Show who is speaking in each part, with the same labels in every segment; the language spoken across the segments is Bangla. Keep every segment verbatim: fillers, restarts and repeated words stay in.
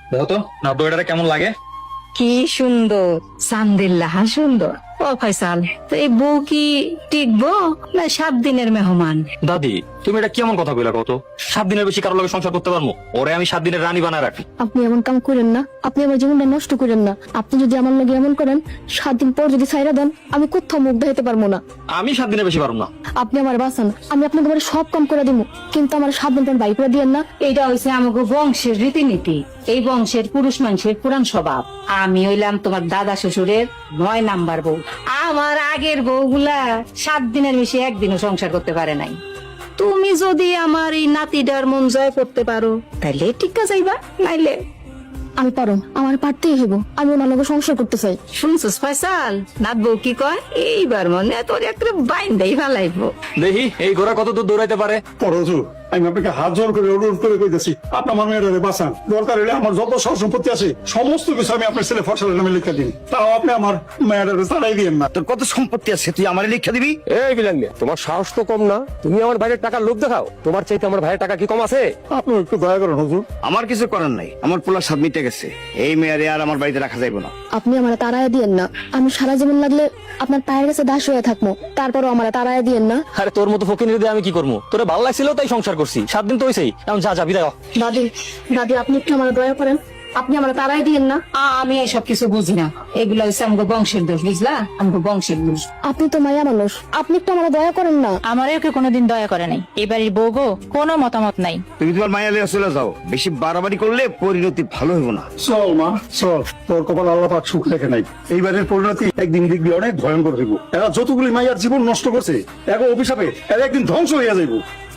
Speaker 1: দেখো তো না দইটা কেমন লাগে।
Speaker 2: কি সুন্দর, চান্দিল্লাহ সুন্দর। ও ফয়সাল, তো এই বউ কি টিকবো না সাত দিনের মেহমান?
Speaker 1: দাদি তুমি এটা কেমন কথা কইলা কত? সাত দিনের বেশি কারোর লগে সংসার করতে পারবো? ওরে আমি সাত দিনের রানী বানায় রাখি।
Speaker 3: আপনি এমন কাম করেন না, আপনি আমার জীবনটা নষ্ট করেন না। আপনি যদি আমার লগে এমন করেন, সাত দিন পর যদি ছাইরা দেন, আমি কোথাও মুখ দেখাইতে পারবো না।
Speaker 1: আমি সাত দিনের বেশি পারবো না।
Speaker 3: আপনি আমার বাঁচান, আমি আপনাকে বাড়ি সব কাম করে দিব, কিন্তু আমার সাত দিন পর বাই করে দিয়েন না।
Speaker 2: এইটা হয়েছে আমাকে বংশের রীতিনীতি, এই বংশের পুরুষ মানুষের পুরান স্বভাব। আমি হইলাম তোমার দাদা শ্বশুরের নয় নাম্বার বউ। আমার আগের বউগুলা সাত দিনের বেশি একদিনও সংসার করতে পারে নাই। তুমি যদি আমার এই নাতিটার মন জয় করতে পারো তাহলে টিকা যাইবা, নাইলে
Speaker 3: আমি পারো, আমার পারতেই হইব। আমি ওনার লগে সংসার করতে চাই।
Speaker 2: শুনছিস ফয়সাল, নাত বউ কি কয়? এইবার মনে তোর একটা বাইন্দাই ফালাইবো।
Speaker 1: দেখি এই ঘোড়া কত দূর দৌড়াইতে পারে।
Speaker 4: পরজু আমি আপনাকে হাত জোর করে অনুরোধ করে কইতেছি, আপনি আমার মেয়েটারে বাঁচান। দরকার হলে আমার যত সব সম্পত্তি আছে সমস্ত কিছু আমি আপনার ছেলে ফসলের নামে লিখে দিন, তাও আপনি আমার মেয়েটারে ছাড়াই দিন না।
Speaker 5: তোর কত সম্পত্তি আছে তুই আমার লিখে দিবি?
Speaker 6: এই বিলাঙ্গে, তোমার সাহস তো কম না। তুমি আমার ভাইয়ের টাকার লোভ দেখাও। তোমার চাইতে আমার ভাইয়ের টাকা কি কম আছে?
Speaker 4: আপনি একটু দয়া করেন হুজুর।
Speaker 5: আমার কিছু করার নাই, আমার পোলা স্বাদ মিটে গেছে। এই মেয়ারে আর আমার বাড়িতে রাখা যাইব না।
Speaker 3: আপনি আমার তাড়ায় দিয়েন না। আমি সারা জীবন লাগলে আপনার পায়ের কাছে দাস হয়ে থাকবো, তারপরও আমার তাড়ায় দিয়েন না।
Speaker 1: আরে তোর মতো ফকির দিয়ে আমি কি করবো? তোরে ভালো লাগছিল তাই সংসার করছি। সাত দিন তো হইছেই, এখন যা যা বিদায় হ।
Speaker 3: দাদি, দাদি আপনি একটু আমার দয়া করেন, আপনি আমার তাড়ায় দিয়েন না।
Speaker 2: আমি এসব কিছু বুঝি না, এগুলো হচ্ছে আমাকে বংশের দোষ, বুঝলা? আমাকে বংশের দোষ।
Speaker 3: আপনি তো মায়া মানুষ, আপনি একটু আমার দয়া করেন না।
Speaker 7: আমারও কেউ কোনোদিন দয়া করে নাই। এবারের বউ গো, কোনো মতামত নাই।
Speaker 5: তুমি তোমার মায়া লিয়ে চলে যাও, বেশি বাড়াবাড়ি করলে পরিণতি ভালো হইব না।
Speaker 4: চল মা চল, তোর কপাল আল্লাহ পাক সুখ রেখে নাই। এইবারের পরিণতি একদিন দেখবি অনেক ভয়ঙ্কর হইব। এরা যতগুলি মাইয়ার জীবন নষ্ট করছে, এক অভিশাপে এরা একদিন ধ্বংস হইয়া যাইব।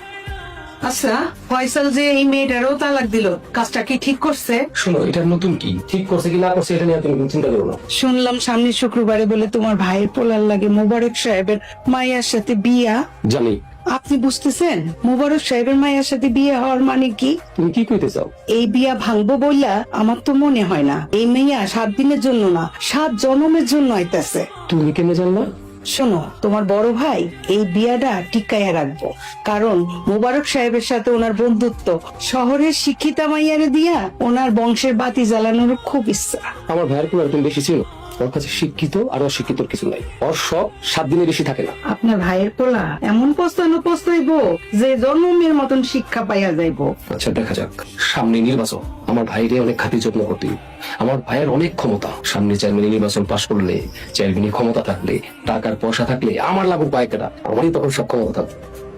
Speaker 8: আচ্ছা, ফয়সাল যে এই মেয়েটারও তালাক দিল, কাজটা কি ঠিক করছে?
Speaker 6: শোনো, এটা নতুন কি ঠিক করছে কি না করছে এটা নিয়ে তুমি চিন্তা করো না।
Speaker 8: শুনলাম সামনের শুক্রবারে বলে তোমার ভাইয়ের পোলার লাগে মোবারক সাহেবের মাইয়ার সাথে বিয়া।
Speaker 6: জানি।
Speaker 8: আপনি বুঝতেছেন মোবারক সাহেবের মাইয়ার সাথে বিয়ে হওয়ার মানে কি?
Speaker 6: তুমি কি কইতে চাও?
Speaker 8: এই বিয়া ভাঙবো বললা আমার তো মনে হয় না। এই মেয়া সাত দিনের জন্য না, সাত জন্মের জন্য আইতাছে।
Speaker 6: তুমি কেন জানলা?
Speaker 8: শোনো, তোমার বড় ভাই এই বিয়াটা টিকাইয়া রাখবো, কারণ মোবারক সাহেবের সাথে ওনার বন্ধুত্ব। শহরের শিক্ষিতা মাইয়ারে দিয়া ওনার বংশের বাতি জ্বালানোর খুব ইচ্ছা।
Speaker 6: আমার ভাইয়ের কোনো একদম বেশি ছিল। ওর কাছে শিক্ষিত আর অশিক্ষিতর কিছু নাই। ওর সব সাত দিনের বেশি থাকে না।
Speaker 8: আপনার ভাইয়ের পোলা এমন পস্তানো পস্তাইবো যে জন্মের মতন শিক্ষা পাইয়া যাইবো।
Speaker 6: আচ্ছা দেখা যাক, সামনে নির্বাচন। আমার ভাইরে অনেক খাতির যত্ন করতে। আমার ভাইয়ের অনেক ক্ষমতা। সামনে চেয়ারম্যান নির্বাচন পাশ করলে, চেয়ারম্যানের ক্ষমতা থাকলে, টাকার পয়সা থাকলে আমার লাভ পায় কেটা, আমারই তখন সব ক্ষমতা থাকবে।